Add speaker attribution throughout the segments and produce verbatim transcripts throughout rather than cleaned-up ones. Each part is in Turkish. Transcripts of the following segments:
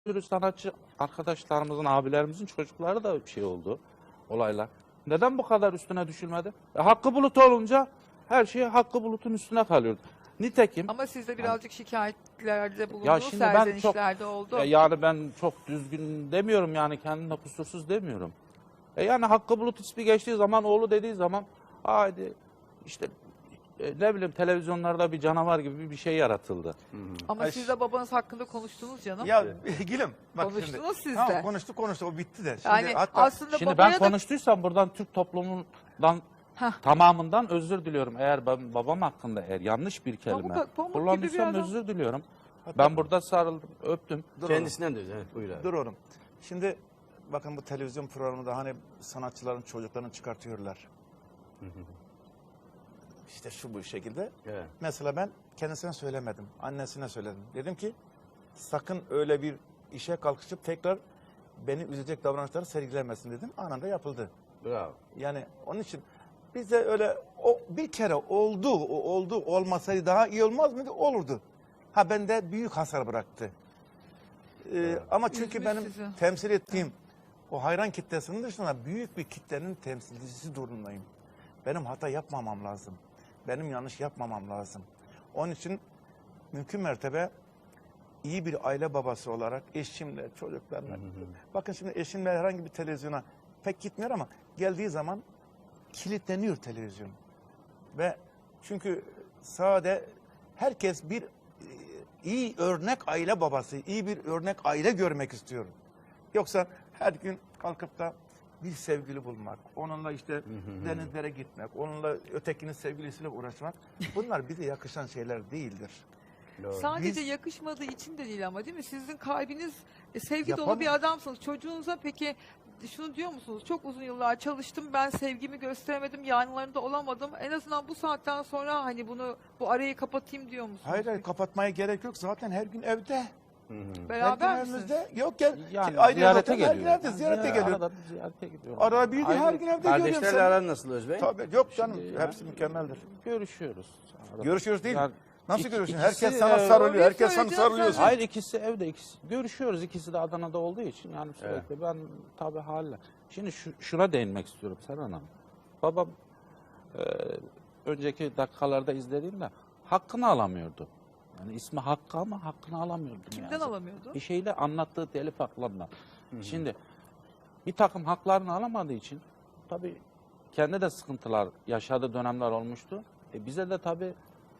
Speaker 1: sürü sanatçı arkadaşlarımızın, abilerimizin çocukları da bir şey oldu, olaylar. Neden bu kadar üstüne düşülmedi? E, Hakkı Bulut olunca her şey Hakkı Bulut'un üstüne kalıyordu. Nitekim...
Speaker 2: Ama siz de birazcık şikayetlerde
Speaker 1: Ya
Speaker 2: bulundunuz,
Speaker 1: şimdi ben çok,
Speaker 2: serzenişlerde oldu.
Speaker 1: e, yani ben çok düzgün demiyorum, yani kendimde kusursuz demiyorum. E yani Hakkı Bulut ismi geçtiği zaman, oğlu dediği zaman, haydi işte e, ne bileyim televizyonlarda bir canavar gibi bir şey yaratıldı.
Speaker 3: Hı hı.
Speaker 2: Ama
Speaker 4: Ay,
Speaker 2: siz de babanız hakkında konuştunuz canım.
Speaker 4: Ya Gülüm bak
Speaker 2: Konuştunuz
Speaker 4: şimdi.
Speaker 2: siz
Speaker 4: Tamam,
Speaker 2: de.
Speaker 4: konuştuk konuştuk o bitti de. Şimdi
Speaker 2: Yani
Speaker 4: hatta
Speaker 2: aslında
Speaker 1: Şimdi
Speaker 2: babaya
Speaker 1: ben
Speaker 2: da...
Speaker 1: konuştuysam buradan Türk toplumundan
Speaker 2: Heh.
Speaker 1: tamamından özür diliyorum. Eğer ben babam hakkında eğer yanlış bir kelime
Speaker 2: Pamuk- pamuk gibi bir
Speaker 1: kullandıysam
Speaker 2: adam.
Speaker 1: özür diliyorum. Ben burada sarıldım, öptüm.
Speaker 4: dur
Speaker 3: Kendisinden de özür. Evet, buyur abi.
Speaker 4: oğlum. Dur oğlum. Şimdi bakın bu televizyon programında hani sanatçıların çocuklarını çıkartıyorlar. İşte şu bu şekilde.
Speaker 3: Evet.
Speaker 4: Mesela ben kendisine söylemedim. Annesine söyledim. Dedim ki sakın öyle bir işe kalkışıp tekrar beni üzecek davranışları sergilemesin dedim. Anında yapıldı.
Speaker 3: Bravo.
Speaker 4: Yani onun için bize öyle o bir kere oldu, o oldu olmasaydı daha iyi olmaz mıydı? Olurdu. Ha bende büyük hasar bıraktı. Ee,
Speaker 3: Evet.
Speaker 4: Ama çünkü
Speaker 2: Üzmüş
Speaker 4: benim
Speaker 2: sizi.
Speaker 4: temsil ettiğim o hayran kitlesinin dışında büyük bir kitlenin temsilcisi durumundayım. Benim hata yapmamam lazım. Benim yanlış yapmamam lazım. Onun için mümkün mertebe iyi bir aile babası olarak eşimle, çocuklarla. Bakın şimdi eşimle herhangi bir televizyona pek gitmiyor ama geldiği zaman kilitleniyor televizyon. Ve çünkü sade herkes bir e, iyi örnek aile babası, iyi bir örnek aile görmek istiyor. Yoksa her gün kalkıp da bir sevgili bulmak, onunla işte denizlere gitmek, onunla ötekinin sevgilisiyle uğraşmak, bunlar bize yakışan şeyler değildir.
Speaker 3: Doğru.
Speaker 2: Sadece
Speaker 4: Biz-
Speaker 2: yakışmadığı için de değil ama değil mi? Sizin kalbiniz e, sevgi dolu
Speaker 4: Yapamam.
Speaker 2: bir adamsınız. Çocuğunuza peki şunu diyor musunuz? Çok uzun yıllar çalıştım, ben sevgimi gösteremedim, yanlarında olamadım. En azından bu saatten sonra hani bunu, bu arayı kapatayım diyor musunuz?
Speaker 4: Hayır hayır kapatmaya gerek yok. Zaten her gün evde.
Speaker 3: Hı hı.
Speaker 2: Beraber
Speaker 4: her gün
Speaker 2: misiniz?
Speaker 4: evimizde. Yok gel.
Speaker 1: Yani
Speaker 4: ayrı
Speaker 1: ziyarete
Speaker 4: evde, her gün
Speaker 1: geliyor.
Speaker 4: evde ziyarete
Speaker 1: Yani
Speaker 4: geliyor.
Speaker 1: Arada bir ziyarete gidiyorum.
Speaker 4: Ara bir de her
Speaker 1: Ayrı-
Speaker 4: gün evde görüyorum
Speaker 3: Kardeşlerle
Speaker 4: seni.
Speaker 3: aran nasıl Özbey?
Speaker 4: Tabii yok canım.
Speaker 1: Şimdi
Speaker 4: Hepsi
Speaker 1: yani
Speaker 4: mükemmeldir.
Speaker 1: Görüşüyoruz. Arada.
Speaker 4: Görüşüyoruz değil.
Speaker 1: Yani
Speaker 4: Nasıl
Speaker 1: iki-
Speaker 4: görüşüyorsun?
Speaker 1: ikisi,
Speaker 4: Herkes sana
Speaker 1: e,
Speaker 4: sarılıyor.
Speaker 2: orayı
Speaker 4: Herkes sana
Speaker 2: söyleyeceğim
Speaker 4: sarılıyorsun.
Speaker 2: zaten.
Speaker 1: Hayır, ikisi evde, ikisi görüşüyoruz. İkisi de Adana'da olduğu için yani sürekli ben tabii haliyle. Şimdi şu, şuna değinmek istiyorum Serhan Hanım. Babam e, önceki dakikalarda izlediğimde hakkını alamıyordu. Yani ismi Hakkı ama hakkını alamıyordu. ne
Speaker 2: Kimden
Speaker 1: yazık.
Speaker 2: alamıyordu?
Speaker 1: Bir şeyle anlattığı telif haklarından. Şimdi bir takım haklarını alamadığı için tabii kendi de sıkıntılar yaşadığı dönemler olmuştu. E bize de tabii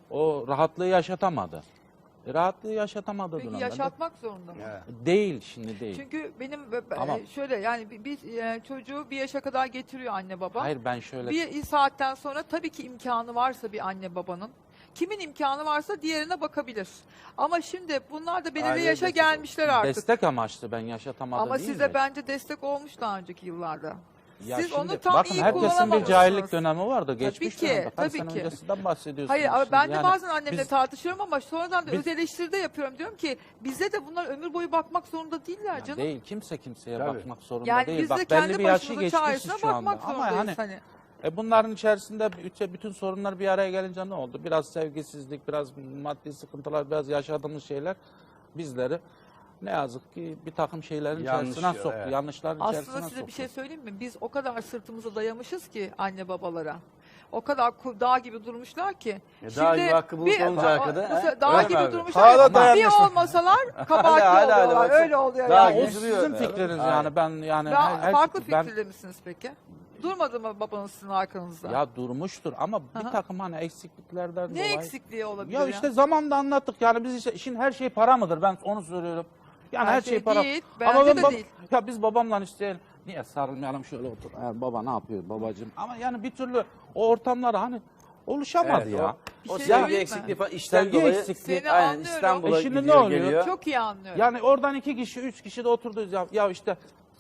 Speaker 1: o rahatlığı yaşatamadı. E rahatlığı yaşatamadığı
Speaker 2: Peki
Speaker 1: dönemlerde
Speaker 2: yaşatmak zorunda mı?
Speaker 3: Evet.
Speaker 1: değil, şimdi değil.
Speaker 2: Çünkü benim e,
Speaker 1: Ama-
Speaker 2: şöyle yani bir, bir, e, çocuğu bir yaşa kadar getiriyor anne baba.
Speaker 1: Hayır, ben şöyle
Speaker 2: Bir saatten sonra tabii ki imkanı varsa bir anne babanın, kimin imkanı varsa diğerine bakabilir. Ama şimdi bunlar da belirli
Speaker 3: Aileye
Speaker 2: yaşa
Speaker 3: destek
Speaker 2: gelmişler artık.
Speaker 1: destek amaçlı ben yaşatamadım
Speaker 2: Ama
Speaker 1: değil
Speaker 2: size
Speaker 1: mi?
Speaker 2: bence destek olmuş daha önceki yıllarda.
Speaker 1: Ya
Speaker 2: Siz
Speaker 1: şimdi
Speaker 2: onu tam
Speaker 1: bakın
Speaker 2: iyi
Speaker 1: herkesin bir
Speaker 2: kullanamamışsınız.
Speaker 1: cahillik dönemi vardı. Geçmiş
Speaker 2: ki,
Speaker 1: dönemde. Kaç
Speaker 2: tabii
Speaker 1: sene
Speaker 2: ki.
Speaker 1: öncesinden bahsediyorsunuz.
Speaker 2: Hayır ama
Speaker 1: şimdi.
Speaker 2: ben de
Speaker 1: Yani
Speaker 2: bazen annemle
Speaker 1: biz-
Speaker 2: tartışıyorum ama sonradan da
Speaker 1: biz-
Speaker 2: öz eleştiride yapıyorum. Diyorum ki bize de bunlar ömür boyu bakmak zorunda değiller
Speaker 1: Ya
Speaker 2: canım.
Speaker 1: değil, kimse kimseye
Speaker 3: Tabii.
Speaker 1: bakmak zorunda
Speaker 2: Yani
Speaker 1: değil.
Speaker 2: biz de
Speaker 1: Bak belli
Speaker 2: kendi
Speaker 1: bir yaşı
Speaker 2: başımızın
Speaker 1: geçmişiz
Speaker 2: çaresine
Speaker 1: şu anda.
Speaker 2: bakmak
Speaker 1: Ama
Speaker 2: zorundayız.
Speaker 1: hani
Speaker 2: hani.
Speaker 1: e bunların içerisinde bütün, bütün sorunlar bir araya gelince ne oldu? Biraz sevgisizlik, biraz maddi sıkıntılar, biraz yaşadığımız şeyler bizleri ne yazık ki bir takım şeylerin
Speaker 3: Yanlış
Speaker 1: içerisine
Speaker 3: ya,
Speaker 1: soktu.
Speaker 3: evet.
Speaker 1: Yanlışların
Speaker 2: Aslında
Speaker 1: içerisine
Speaker 2: size
Speaker 1: soktu.
Speaker 2: bir şey söyleyeyim mi? Biz o kadar sırtımızı dayamışız ki anne babalara. O kadar ku- dağ gibi durmuşlar ki.
Speaker 3: Ya dağ gibi Hakkı Bulut olunca arkada,
Speaker 2: bu
Speaker 3: he?
Speaker 2: se- Dağ
Speaker 3: Öyle mi
Speaker 2: gibi
Speaker 3: abi?
Speaker 2: durmuşlar.
Speaker 4: Hala
Speaker 2: Bir
Speaker 4: dayanmış.
Speaker 2: olmasalar kabahatli
Speaker 3: Hala, hala,
Speaker 2: oluyorlar.
Speaker 3: bak-
Speaker 2: Öyle oluyor
Speaker 3: Dağ
Speaker 2: yani.
Speaker 1: O
Speaker 3: gibi duruyor.
Speaker 1: sizin fikriniz
Speaker 3: Aynen.
Speaker 1: yani ben yani
Speaker 2: Ben,
Speaker 1: her, her-
Speaker 2: farklı
Speaker 1: ben-
Speaker 2: fikirde misiniz peki? Durmadı mı babanız sizin arkanızda?
Speaker 1: ya durmuştur ama
Speaker 2: Aha.
Speaker 1: bir takım hani eksikliklerden
Speaker 2: ne
Speaker 1: dolayı.
Speaker 2: eksikliği olabilir
Speaker 1: Ya
Speaker 2: ya?
Speaker 1: işte zamanda anlattık yani biz işte işin her şey para mıdır, ben onu söylüyorum. Yani her,
Speaker 2: Her
Speaker 1: şey,
Speaker 2: şey
Speaker 1: para.
Speaker 2: değil,
Speaker 1: Ama
Speaker 2: bence
Speaker 1: ben
Speaker 2: de
Speaker 1: bab-
Speaker 2: değil.
Speaker 1: Ya biz babamla işte niye sarılmayalım şöyle otur. Ha, baba ne yapıyor babacığım? Ama yani bir türlü o ortamlara hani oluşamadı
Speaker 3: Evet,
Speaker 1: ya.
Speaker 3: O, o
Speaker 2: Bir şey
Speaker 3: sevgi
Speaker 2: söyleyeyim mi?
Speaker 3: eksikliği falan işten
Speaker 1: Sevgi
Speaker 3: dolayı
Speaker 1: eksikliği.
Speaker 2: Seni
Speaker 3: aynen
Speaker 2: anlıyorum.
Speaker 3: İstanbul'a
Speaker 1: E şimdi ne
Speaker 3: gidiyor
Speaker 1: oluyor?
Speaker 3: geliyor.
Speaker 2: Çok iyi anlıyorum.
Speaker 1: Yani oradan iki kişi, üç kişi de oturduğuz ya. Ya işte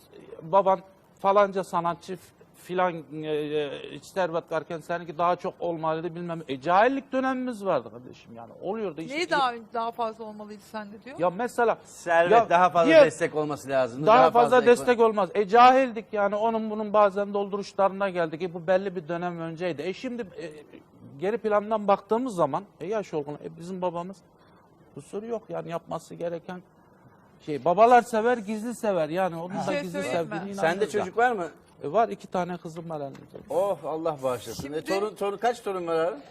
Speaker 1: e, baban falanca sanatçı f- filan e, e, servet varken seninki daha çok olmalıydı bilmem. E cahillik dönemimiz vardı kardeşim yani. Oluyordu işte.
Speaker 2: Neyi daha daha fazla olmalıydı sende diyor?
Speaker 1: Ya mesela
Speaker 3: Servet
Speaker 1: Ya
Speaker 3: daha fazla
Speaker 1: diğer-
Speaker 3: destek olması lazım.
Speaker 1: daha, fazla, destek olmaz. E cahildik yani onun bunun bazen dolduruşlarına geldik. E bu belli bir dönem önceydi. E şimdi e, geri plandan baktığımız zaman e yaş olgun e bizim babamız kusuru yok yani yapması gereken şey babalar sever gizli sever yani onun
Speaker 2: Bir
Speaker 1: da
Speaker 2: şey
Speaker 1: gizli
Speaker 2: söyleyeyim mi?
Speaker 1: sevdiğine
Speaker 3: Sende
Speaker 1: inanıyoruz
Speaker 3: çocuk
Speaker 1: ya.
Speaker 3: var mı?
Speaker 1: E, var iki tane kızım var elimde.
Speaker 3: Oh Allah bağışlasın.
Speaker 2: Şimdi-
Speaker 3: E, torun, torun, kaç torun var abi?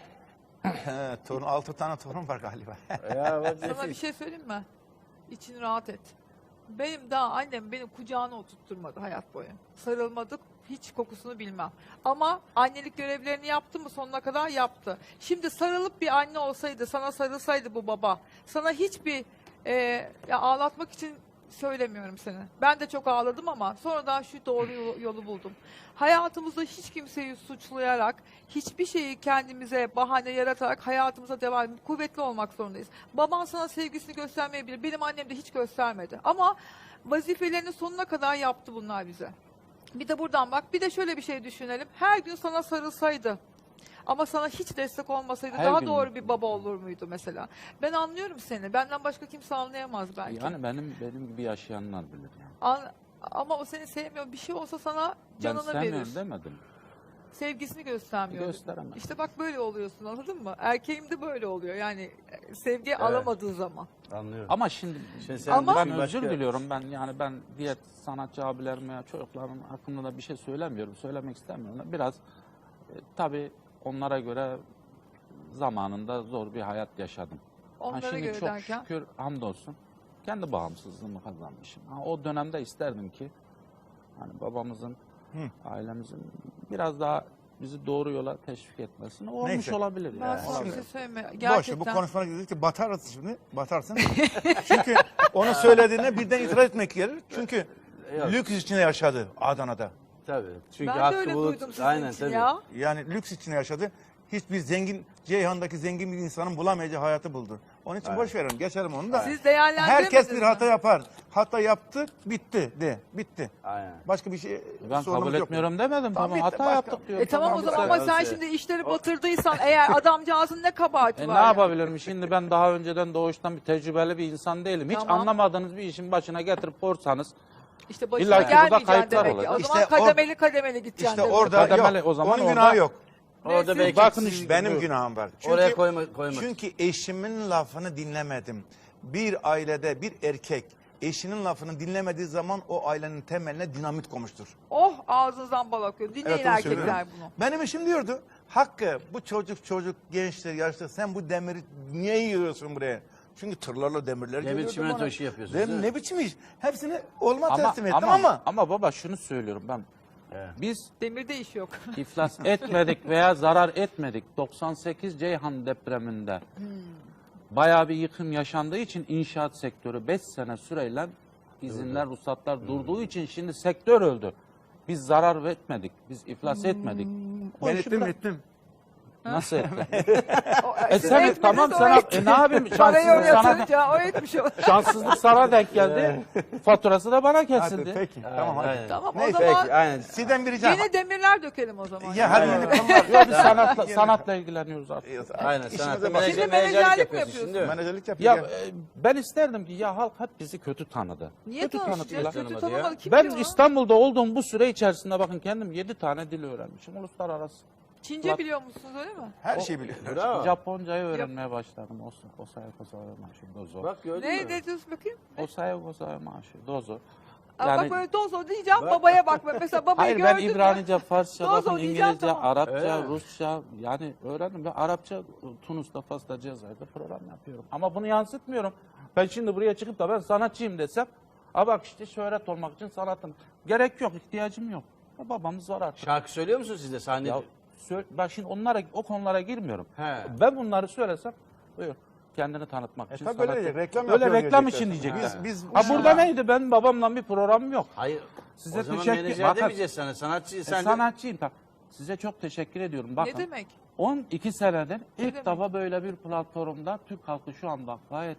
Speaker 4: He, torun, altı tane torun var galiba.
Speaker 3: Ya bak
Speaker 2: Sana bir
Speaker 3: nefis.
Speaker 2: şey söyleyeyim mi? İçin rahat et. Benim daha annem beni kucağına oturtturmadı hayat boyu. Sarılmadık, hiç kokusunu bilmem. Ama annelik görevlerini yaptı mı sonuna kadar yaptı. Şimdi sarılıp bir anne olsaydı, sana sarılsaydı bu baba, sana hiçbir e, ya ağlatmak için söylemiyorum seni. Ben de çok ağladım ama sonradan şu doğru yolu, yolu buldum. Hayatımızda hiç kimseyi suçlayarak, hiçbir şeyi kendimize bahane yaratarak hayatımıza devam edip kuvvetli olmak zorundayız. Baban sana sevgisini göstermeyebilir. Benim annem de hiç göstermedi. Ama vazifelerini sonuna kadar yaptı bunlar bize. Bir de buradan bak. Bir de şöyle bir şey düşünelim. Her gün sana sarılsaydı ama sana hiç destek olmasaydı
Speaker 1: Her
Speaker 2: daha
Speaker 1: gün
Speaker 2: doğru
Speaker 1: mü?
Speaker 2: bir baba olur muydu mesela? Ben anlıyorum seni. Benden başka kimse anlayamaz belki.
Speaker 1: Yani benim benim gibi yaşayanlar bilir yani.
Speaker 2: An- ama o seni sevmiyor. Bir şey olsa sana
Speaker 1: Ben
Speaker 2: canını
Speaker 1: sevmiyorum
Speaker 2: verir.
Speaker 1: demedim.
Speaker 2: Sevgisini göstermiyor.
Speaker 1: Gösteremem.
Speaker 2: İşte bak böyle oluyorsun, anladın mı? Erkeğim de böyle oluyor. Yani e, sevgi alamadığı zaman.
Speaker 3: Anlıyorum.
Speaker 1: Ama şimdi
Speaker 3: Şimdi sen
Speaker 2: Ama-
Speaker 1: ben
Speaker 3: düşün
Speaker 1: özür
Speaker 3: başka-
Speaker 1: diliyorum. Ben yani ben diğer sanatçı abilerime ya çocuklarım hakkında da bir şey söylemiyorum. Söylemek istemiyorum. Biraz e, tabii onlara göre zamanında zor bir hayat yaşadım. Ha,
Speaker 2: Onlara
Speaker 1: şimdi
Speaker 2: göre
Speaker 1: çok
Speaker 2: derken.
Speaker 1: şükür hamdolsun kendi bağımsızlığımı kazanmışım. Ha, o dönemde isterdim ki hani babamızın, ailemizin biraz daha bizi doğru yola teşvik etmesini olmuş
Speaker 4: Neyse.
Speaker 1: olabilir.
Speaker 2: Ben
Speaker 1: yani.
Speaker 2: sana bir
Speaker 1: Olabilir.
Speaker 2: şey söyleyeyim mi?
Speaker 4: Boş ver, bu
Speaker 2: Gerçekten.
Speaker 4: konuşmana gidince batarsın şimdi. Batarsın. Çünkü onu söylediğine birden itiraz etmek gelir. Çünkü
Speaker 3: Yok.
Speaker 4: lüks içinde yaşadı Adana'da.
Speaker 3: Tabii. Çünkü
Speaker 2: Ben de
Speaker 3: Hakkı
Speaker 2: öyle
Speaker 3: Bulut,
Speaker 2: duydum sizin
Speaker 3: aynen,
Speaker 2: için
Speaker 3: tabii.
Speaker 2: ya.
Speaker 4: Yani lüks içinde yaşadı. Hiçbir zengin, Ceyhan'daki zengin bir insanın bulamayacağı hayatı buldu. Onun için boş verelim, geçelim onu da.
Speaker 2: Siz değerlendiremediniz
Speaker 4: Herkes bir
Speaker 2: mi?
Speaker 4: hata yapar. Hata yaptı, bitti de, bitti.
Speaker 3: Aynen.
Speaker 4: Başka bir şey
Speaker 1: Ben
Speaker 4: sorunumuz
Speaker 1: kabul
Speaker 4: yok.
Speaker 1: etmiyorum demedim.
Speaker 4: Tamam,
Speaker 1: Tamam,
Speaker 4: bitti,
Speaker 1: hata
Speaker 4: başka.
Speaker 1: yaptık diyorum.
Speaker 2: E tamam, o zaman
Speaker 1: bu
Speaker 2: ama
Speaker 1: sefer.
Speaker 2: sen şimdi işleri batırdıysan eğer adamcağızın ne kabahati
Speaker 1: E,
Speaker 2: var?
Speaker 1: ne
Speaker 2: ya?
Speaker 1: yapabilirim? Şimdi ben daha önceden doğuştan bir tecrübeli bir insan değilim. Hiç
Speaker 2: Tamam.
Speaker 1: anlamadığınız bir işin başına getirip korsanız
Speaker 2: İşte başına
Speaker 1: İlla ki burada
Speaker 2: gelmeyeceksin
Speaker 1: kayıplar
Speaker 2: demek ki. O
Speaker 1: olacak.
Speaker 2: zaman
Speaker 4: İşte or-
Speaker 2: kademeli kademeli gideceksin
Speaker 4: İşte
Speaker 2: demek.
Speaker 4: orada
Speaker 1: Kademeli,
Speaker 4: yok.
Speaker 1: o zaman
Speaker 4: Onun
Speaker 1: orada-
Speaker 4: günahı yok.
Speaker 3: Orada
Speaker 2: Neyse.
Speaker 3: belki
Speaker 1: Bakın
Speaker 3: siz-
Speaker 1: işte.
Speaker 4: Benim
Speaker 1: Buyur.
Speaker 4: günahım var. Çünkü,
Speaker 3: Oraya koyma, koymak.
Speaker 4: çünkü eşimin lafını dinlemedim. Bir ailede bir erkek eşinin lafını dinlemediği zaman o ailenin temeline dinamit koymuştur.
Speaker 2: Oh, ağzınızdan bal akıyor. Dinleyin
Speaker 4: Evet, onu
Speaker 2: erkekler
Speaker 4: söylüyorum.
Speaker 2: bunu.
Speaker 4: Benim eşim diyordu, Hakkı bu çocuk çocuk gençler yaşlı sen bu demiri niye yığıyorsun buraya? Çünkü tırlarla demirler
Speaker 3: Demir
Speaker 4: geliyordu
Speaker 3: çimento
Speaker 4: bana.
Speaker 3: işi yapıyorsunuz,
Speaker 4: Dedim,
Speaker 3: değil mi?
Speaker 4: ne biçim iş? Hepsini olma
Speaker 1: ama,
Speaker 4: teslim ettim
Speaker 1: ama,
Speaker 4: ama.
Speaker 1: ama baba şunu söylüyorum ben.
Speaker 3: Evet.
Speaker 1: Biz
Speaker 2: Demirde iş yok.
Speaker 1: iflas etmedik veya zarar etmedik. doksan sekiz Ceyhan depreminde bayağı bir yıkım yaşandığı için inşaat sektörü beş sene süreyle izinler, ruhsatlar durduğu için şimdi sektör öldü. Biz zarar etmedik. Biz iflas etmedik. O
Speaker 4: Ben
Speaker 1: işi
Speaker 4: ettim
Speaker 1: bırak-
Speaker 4: ettim.
Speaker 1: Nasıl ettin?
Speaker 2: O,
Speaker 1: E
Speaker 2: siz
Speaker 1: sen
Speaker 2: etmediniz,
Speaker 1: tamam
Speaker 2: o
Speaker 1: sana
Speaker 2: etti.
Speaker 1: e, ne yapayım?
Speaker 2: Parayı
Speaker 1: Şanssızlık
Speaker 2: oraya
Speaker 1: sana,
Speaker 2: atınca o etmiş o.
Speaker 1: şanssızlık sana denk geldi. Faturası da bana
Speaker 4: Hadi
Speaker 1: kesildi.
Speaker 4: peki tamam hadi.
Speaker 3: Aynen.
Speaker 2: Tamam,
Speaker 4: Neyse,
Speaker 2: o zaman
Speaker 3: Peki, aynen.
Speaker 4: Sizden bir ricam.
Speaker 2: yeni demirler dökelim o zaman.
Speaker 4: Ya hadi
Speaker 3: Aynen.
Speaker 4: yeni konular.
Speaker 1: Yok biz sanatla, sanatla ilgileniyoruz artık.
Speaker 3: Aynen.
Speaker 4: İşimize
Speaker 3: Sanatla
Speaker 4: bak.
Speaker 3: menajer,
Speaker 2: Şimdi
Speaker 3: menajerlik
Speaker 2: menajerlik mi
Speaker 3: yapıyorsun
Speaker 2: yapıyorsun?
Speaker 3: şimdi, değil mi?
Speaker 4: Menajerlik
Speaker 1: Ya
Speaker 4: yapıyor.
Speaker 1: e, ben isterdim ki ya halk hep bizi kötü tanıdı.
Speaker 2: Niye
Speaker 1: kötü
Speaker 2: tanışacağız?
Speaker 1: tanıdılar.
Speaker 2: Kötü
Speaker 3: Tanımadı ya.
Speaker 2: tanımadı. Kim
Speaker 1: Ben
Speaker 2: biliyor onu?
Speaker 1: İstanbul'da olduğum bu süre içerisinde bakın kendim yedi tane dil öğrenmişim. Uluslararası.
Speaker 2: Çince biliyor musunuz öyle mi?
Speaker 4: Her şeyi biliyor.
Speaker 3: Bravo.
Speaker 1: Japoncayı öğrenmeye başladım. Osa- Osaya kosaya maşı dozo.
Speaker 3: Bak gördün
Speaker 2: Ne,
Speaker 3: mü?
Speaker 2: ne diyorsun bakayım?
Speaker 1: Osaya kosaya maşı dozo.
Speaker 2: Ama
Speaker 1: Yani-
Speaker 2: bak böyle dozo diyeceğim,
Speaker 3: Bak.
Speaker 2: babaya bak. Mesela babayı
Speaker 1: Hayır ben
Speaker 2: gördün mü?
Speaker 1: İbranice, Farsça,
Speaker 2: Dozo
Speaker 1: bakın
Speaker 2: diyeceğim,
Speaker 1: İngilizce,
Speaker 2: tamam.
Speaker 1: Arapça,
Speaker 3: Öyle mi?
Speaker 1: Rusça yani öğrendim. Ben Arapça Tunus'ta, Fas'ta, Cezayir'de program yapıyorum. Ama bunu yansıtmıyorum. Ben şimdi buraya çıkıp da ben sanatçıyım desem, a bak işte şöhret olmak için sanatım. Gerek yok, ihtiyacım yok. Ya babamız var artık.
Speaker 3: Şarkı söylüyor musun siz de sahne?
Speaker 1: Ya, sö- ben şimdi onlara, o konulara girmiyorum.
Speaker 3: He.
Speaker 1: Ben bunları söylesem, buyur. Kendini tanıtmak
Speaker 4: E
Speaker 1: için.
Speaker 4: tabii böyle
Speaker 1: sanatçı-
Speaker 4: diyecek, reklam
Speaker 1: Öyle
Speaker 4: yapıyor
Speaker 1: reklam
Speaker 4: diyecekler.
Speaker 1: için diyecekler.
Speaker 4: Biz, biz
Speaker 1: Ha burada neydi? Ben babamla bir programım yok.
Speaker 3: Hayır.
Speaker 1: Size
Speaker 3: o zaman
Speaker 1: teşekkür-
Speaker 3: menajer
Speaker 1: Bakın-
Speaker 3: demeyeceğiz sana. Sanatçı
Speaker 1: E,
Speaker 3: sen de-
Speaker 1: sanatçıyım. Bak, size çok teşekkür ediyorum. Bakın,
Speaker 2: Ne demek?
Speaker 1: on iki senedir ilk
Speaker 2: demek?
Speaker 1: defa böyle bir platformda Türk halkı şu anda gayet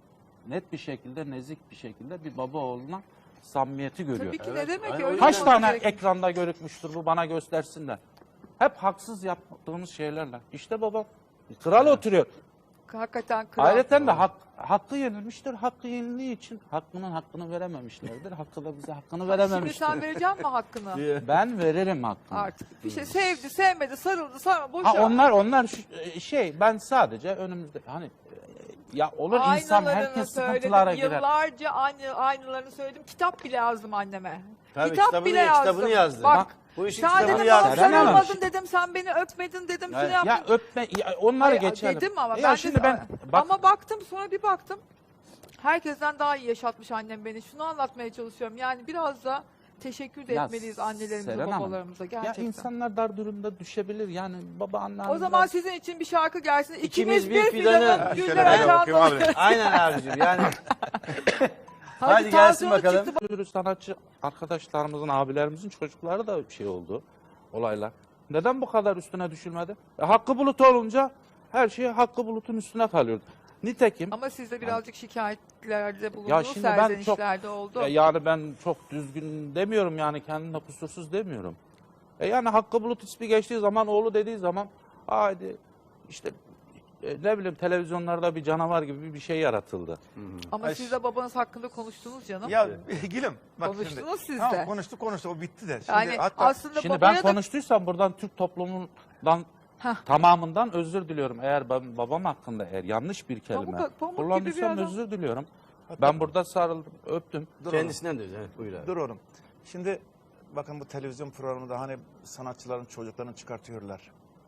Speaker 1: net bir şekilde, nezik bir şekilde bir baba oğluna samimiyeti görüyor.
Speaker 2: Tabii ki
Speaker 3: Evet,
Speaker 2: ne demek
Speaker 3: aynen
Speaker 2: ki? Öyle
Speaker 1: Kaç
Speaker 2: olması
Speaker 1: tane
Speaker 2: gerekiyor.
Speaker 1: ekranda görükmüştür bu bana göstersinler. Hep haksız yaptığımız şeylerle. İşte baba kral oturuyor.
Speaker 2: Hakikaten kral.
Speaker 1: Ayrıca de hak, hakkı yenilmiştir. Hakkı yenildiği için hakkının hakkını verememişlerdir. Hakkı da bize hakkını
Speaker 2: Şimdi
Speaker 1: verememiştir.
Speaker 2: sen vereceksin mi hakkını?
Speaker 1: Ben veririm hakkını.
Speaker 2: Artık. Bir şey sevdi, sevmedi, sarıldı, sarma, boşa.
Speaker 1: Ha onlar onlar şu- şey ben sadece önümüzde hani Ya olur insan
Speaker 2: Aynalarını
Speaker 1: herkes
Speaker 2: söyledim,
Speaker 1: sıkıntılara girer.
Speaker 2: Yıllarca aynı aynalarını söyledim. Kitap bile yazdım anneme.
Speaker 3: Tabii,
Speaker 2: Kitap
Speaker 3: kitabını-
Speaker 2: bile yazdım.
Speaker 3: kitabını yazdı.
Speaker 2: Bak,
Speaker 1: Bak,
Speaker 3: bu işin
Speaker 2: sen
Speaker 3: kitabını
Speaker 2: dedim
Speaker 3: yazdı.
Speaker 2: bana
Speaker 1: Seren Hanım.
Speaker 2: sarılmadın dedim, sen beni öpmedin dedim, şunu
Speaker 3: Evet.
Speaker 2: yaptın.
Speaker 1: Ya öpme, ya onları
Speaker 2: Hayır,
Speaker 1: geçelim.
Speaker 2: dedim ama
Speaker 1: ya
Speaker 2: ben
Speaker 1: şimdi
Speaker 2: de,
Speaker 1: ben bak,
Speaker 2: ama baktım sonra bir baktım. Herkesten daha iyi yaşatmış annem beni. Şunu anlatmaya çalışıyorum. Yani biraz da teşekkür de
Speaker 1: Ya
Speaker 2: etmeliyiz annelerimize,
Speaker 1: Seren Hanım,
Speaker 2: babalarımıza
Speaker 1: ya
Speaker 2: gerçekten.
Speaker 1: insanlar dar durumda düşebilir. Yani baba anne.
Speaker 2: O zaman sizin için bir şarkı gelsin. İkimiz,
Speaker 3: İkimiz
Speaker 2: bir
Speaker 3: bir
Speaker 2: fidanın
Speaker 3: fidanı.
Speaker 2: güller
Speaker 4: Şöyle ben
Speaker 2: açan
Speaker 4: okuyayım abi.
Speaker 3: Aynen abicim yani.
Speaker 2: Hadi,
Speaker 3: Hadi gelsin
Speaker 2: tansiyonu
Speaker 3: bakalım.
Speaker 2: çıktı.
Speaker 1: Bir sürü sanatçı arkadaşlarımızın, abilerimizin çocukları da bir şey oldu. Olaylar. Neden bu kadar üstüne düşülmedi? E, Hakkı Bulut olunca her şey Hakkı Bulut'un üstüne kalıyordu. Nitekim
Speaker 2: Ama siz de birazcık şikayetlerde
Speaker 1: Ya
Speaker 2: bulundunuz,
Speaker 1: şimdi ben çok-
Speaker 2: serzenişlerde oldu.
Speaker 1: e, yani ben çok düzgün demiyorum, yani kendimle kusursuz demiyorum. E yani Hakkı Bulut ismi geçtiği zaman, oğlu dediği zaman haydi işte e, ne bileyim televizyonlarda bir canavar gibi bir şey yaratıldı.
Speaker 2: Ama
Speaker 4: Ay,
Speaker 2: siz de babanız hakkında konuştunuz canım.
Speaker 4: Ya gülüm bak
Speaker 2: Konuştunuz
Speaker 4: şimdi.
Speaker 2: siz
Speaker 4: Tamam,
Speaker 2: de.
Speaker 4: konuştuk konuştuk o bitti de. Şimdi
Speaker 2: Yani
Speaker 4: hatta
Speaker 2: aslında
Speaker 1: Şimdi
Speaker 2: babaya
Speaker 1: ben
Speaker 2: da
Speaker 1: konuştuysam buradan Türk toplumundan
Speaker 2: Hah.
Speaker 1: tamamından özür diliyorum. Eğer ben babam hakkında eğer yanlış bir kelime
Speaker 2: Pamuk- pamuk gibi bir
Speaker 1: kullandıysam
Speaker 2: adam.
Speaker 1: özür diliyorum. Ben burada sarıldım, öptüm.
Speaker 4: dur oğlum,
Speaker 3: Kendisinden de öyle. Evet, buyur abi.
Speaker 4: dur oğlum. Şimdi bakın bu televizyon programında hani sanatçıların çocuklarını çıkartıyorlar.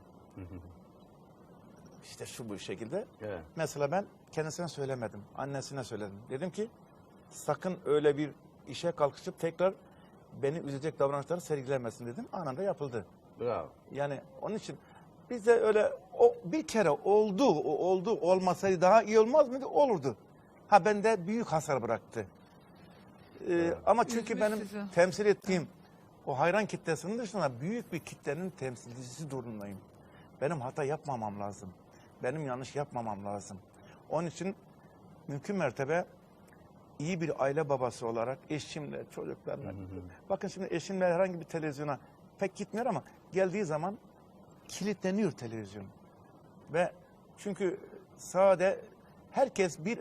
Speaker 4: İşte şu bu şekilde.
Speaker 3: Evet.
Speaker 4: Mesela ben kendisine söylemedim. Annesine söyledim. Dedim ki sakın öyle bir işe kalkışıp tekrar beni üzecek davranışları sergilemesin dedim. Anında yapıldı.
Speaker 3: Bravo.
Speaker 4: Yani onun için bize öyle o bir kere oldu, o oldu olmasaydı daha iyi olmaz mıydı? Olurdu. Ha bende büyük hasar bıraktı. Ee, ama çünkü
Speaker 2: Üzmüş
Speaker 4: benim
Speaker 2: sizi.
Speaker 4: temsil ettiğim o hayran kitlesinin dışında büyük bir kitlenin temsilcisi durumundayım. Benim hata yapmamam lazım. Benim yanlış yapmamam lazım. Onun için mümkün mertebe iyi bir aile babası olarak eşimle, çocuklarla. Bakın şimdi eşimle herhangi bir televizyona pek gitmiyor ama geldiği zaman kilitleniyor televizyon. Ve çünkü sade herkes bir e,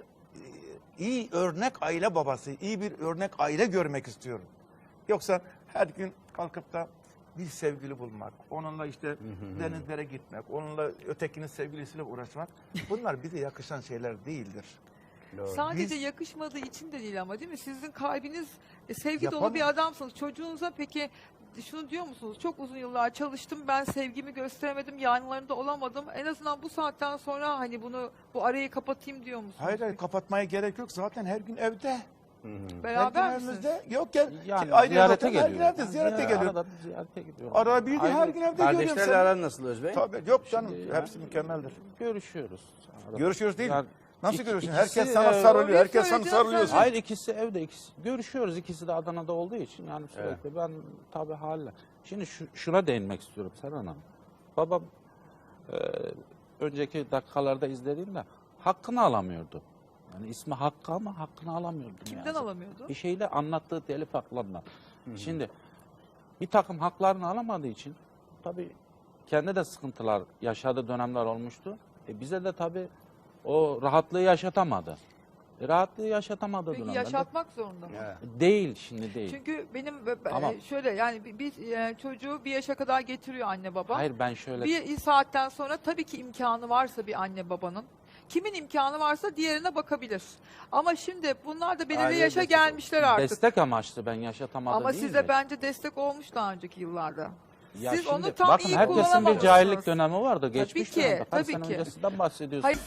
Speaker 4: iyi örnek aile babası, iyi bir örnek aile görmek istiyor. Yoksa her gün kalkıp da bir sevgili bulmak, onunla işte denizlere gitmek, onunla ötekinin sevgilisiyle uğraşmak, bunlar bize yakışan şeyler değildir.
Speaker 3: Doğru.
Speaker 2: sadece
Speaker 4: Biz-
Speaker 2: yakışmadığı için de değil ama değil mi? Sizin kalbiniz e, sevgi dolu
Speaker 4: Yapamam.
Speaker 2: bir adamsınız. Çocuğunuza peki şunu diyor musunuz? Çok uzun yıllar çalıştım, ben sevgimi gösteremedim, yanlarında olamadım. En azından bu saatten sonra hani bunu, bu arayı kapatayım diyor musunuz?
Speaker 4: Hayır, hayır kapatmaya gerek yok. Zaten her gün evde.
Speaker 2: Beraber
Speaker 4: her gün
Speaker 2: misiniz?
Speaker 4: evimizde. Yok gel.
Speaker 1: Yani
Speaker 4: Aynı
Speaker 1: ziyarete
Speaker 4: evde, her gün
Speaker 1: geliyor.
Speaker 4: evde ziyarete
Speaker 1: Yani
Speaker 4: geliyor.
Speaker 1: Arada bir ziyarete gidiyorum.
Speaker 4: Ara bir gün her gün evde görüyorum
Speaker 3: Kardeşlerle
Speaker 4: seni.
Speaker 3: aran nasıl Özbey?
Speaker 4: Tabii yok canım.
Speaker 1: Şimdi
Speaker 4: Hepsi
Speaker 1: yani
Speaker 4: mükemmeldir.
Speaker 1: Görüşüyoruz. Arada.
Speaker 4: Görüşüyoruz değil.
Speaker 1: Yani
Speaker 4: Nasıl
Speaker 1: iki-
Speaker 4: görüşüyorsun?
Speaker 1: ikisi,
Speaker 4: Herkes sana
Speaker 1: e,
Speaker 4: sarılıyor.
Speaker 2: orayı
Speaker 4: Herkes sana
Speaker 2: söyleyeceğim
Speaker 4: sarılıyorsun.
Speaker 2: zaten.
Speaker 1: Hayır, ikisi evde, ikisi görüşüyoruz. İkisi de Adana'da olduğu için yani sürekli ben tabii haliyle. Şimdi şu, şuna değinmek istiyorum Seren Hanım. Babam e, önceki dakikalarda izlediğimde hakkını alamıyordu. Yani ismi Hakkı ama hakkını alamıyordu.
Speaker 2: Kimden
Speaker 1: yani.
Speaker 2: alamıyordu?
Speaker 1: Bir şeyle anlattığı telif haklarına. Şimdi bir takım haklarını alamadığı için tabii kendi de sıkıntılar yaşadığı dönemler olmuştu. E bize de tabii o rahatlığı yaşatamadı. E rahatlığı yaşatamadığı
Speaker 2: Peki
Speaker 1: dönemlerde
Speaker 2: yaşatmak zorunda mı?
Speaker 3: Evet.
Speaker 1: değil, şimdi değil.
Speaker 2: Çünkü benim e,
Speaker 1: Ama-
Speaker 2: şöyle yani bir, bir, e, çocuğu bir yaşa kadar getiriyor anne baba.
Speaker 1: Hayır, ben şöyle
Speaker 2: Bir saatten sonra tabii ki imkanı varsa bir anne babanın, kimin imkanı varsa diğerine bakabilir. Ama şimdi bunlar da belirli
Speaker 3: Aileye
Speaker 2: yaşa
Speaker 3: destek
Speaker 2: gelmişler artık.
Speaker 1: destek amaçlı ben yaşatamadım
Speaker 2: Ama
Speaker 1: değil
Speaker 2: size
Speaker 1: mi?
Speaker 2: bence destek olmuş daha önceki yıllarda.
Speaker 1: Ya
Speaker 2: Siz
Speaker 1: şimdi
Speaker 2: onu tam
Speaker 1: bakın,
Speaker 2: iyi
Speaker 1: herkesin bir
Speaker 2: kullanamamışsınız.
Speaker 1: cahillik dönemi vardı. Geçmiş
Speaker 2: ki,
Speaker 1: dönemde. Kaç
Speaker 2: tabii
Speaker 1: sene
Speaker 2: ki.
Speaker 1: öncesinden bahsediyorsun.
Speaker 2: Hayır,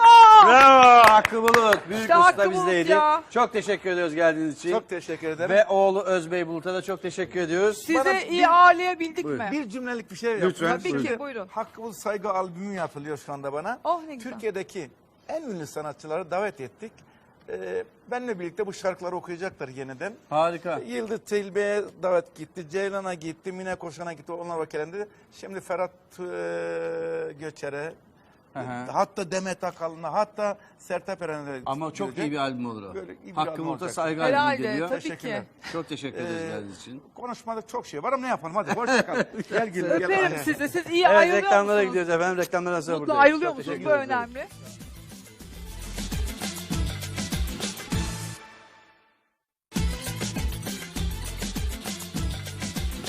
Speaker 3: Bravo Hakkı Bulut. Büyük
Speaker 2: İşte
Speaker 3: usta
Speaker 2: Hakkı Bulut
Speaker 3: bizdeydi.
Speaker 2: ya.
Speaker 3: Çok teşekkür ediyoruz geldiğiniz için.
Speaker 4: Çok teşekkür ederim.
Speaker 3: Ve oğlu Özbey Bulut'a da çok teşekkür ediyoruz.
Speaker 2: size
Speaker 4: Bana
Speaker 2: iyi
Speaker 4: bir-
Speaker 2: ağırlayabildik
Speaker 3: Buyurun.
Speaker 2: mi?
Speaker 4: bir cümlelik bir şey
Speaker 3: Lütfen.
Speaker 4: yapayım.
Speaker 2: Tabii
Speaker 3: Buyurun.
Speaker 2: ki, buyurun.
Speaker 4: Hakkımız Saygı albümü yapılıyor şu anda bana.
Speaker 2: Oh ne güzel.
Speaker 4: Türkiye'deki en ünlü sanatçıları davet ettik. Ee, benimle birlikte bu şarkıları okuyacaklar yeniden.
Speaker 3: Harika.
Speaker 4: Yıldız Tilbe'ye davet gitti, Ceylan'a gitti, Mine Koşan'a gitti, onlar vakelendi. Şimdi Ferhat e, Göçer'e,
Speaker 3: Hı hı.
Speaker 4: hatta Demet Akalın'a, hatta Sertab Erener'e
Speaker 3: Ama çok
Speaker 4: gidecek.
Speaker 3: iyi bir albüm olur o.
Speaker 4: Böyle iyi bir
Speaker 3: Hakkı
Speaker 4: albüm
Speaker 3: Bulut'a
Speaker 4: olacak.
Speaker 3: saygı albümü
Speaker 2: Herhalde
Speaker 3: geliyor.
Speaker 2: tabii ki.
Speaker 4: Teşekkürler.
Speaker 3: Çok teşekkür ederiz
Speaker 4: Ee,
Speaker 3: geldiğiniz için.
Speaker 4: Konuşmada çok şey var ama ne yapalım hadi hoşça kal. Gel gülüm gel.
Speaker 2: Öperim
Speaker 4: Hadi.
Speaker 2: sizi. Siz iyi
Speaker 3: Evet
Speaker 2: ayrılıyor
Speaker 3: reklamlara
Speaker 2: musunuz?
Speaker 3: gidiyoruz efendim. Reklamlara sonra
Speaker 2: Mutlu
Speaker 3: buradayız.
Speaker 2: ayrılıyor
Speaker 3: Çok
Speaker 2: musunuz?
Speaker 3: teşekkür
Speaker 2: Bu
Speaker 3: ederiz.
Speaker 2: önemli.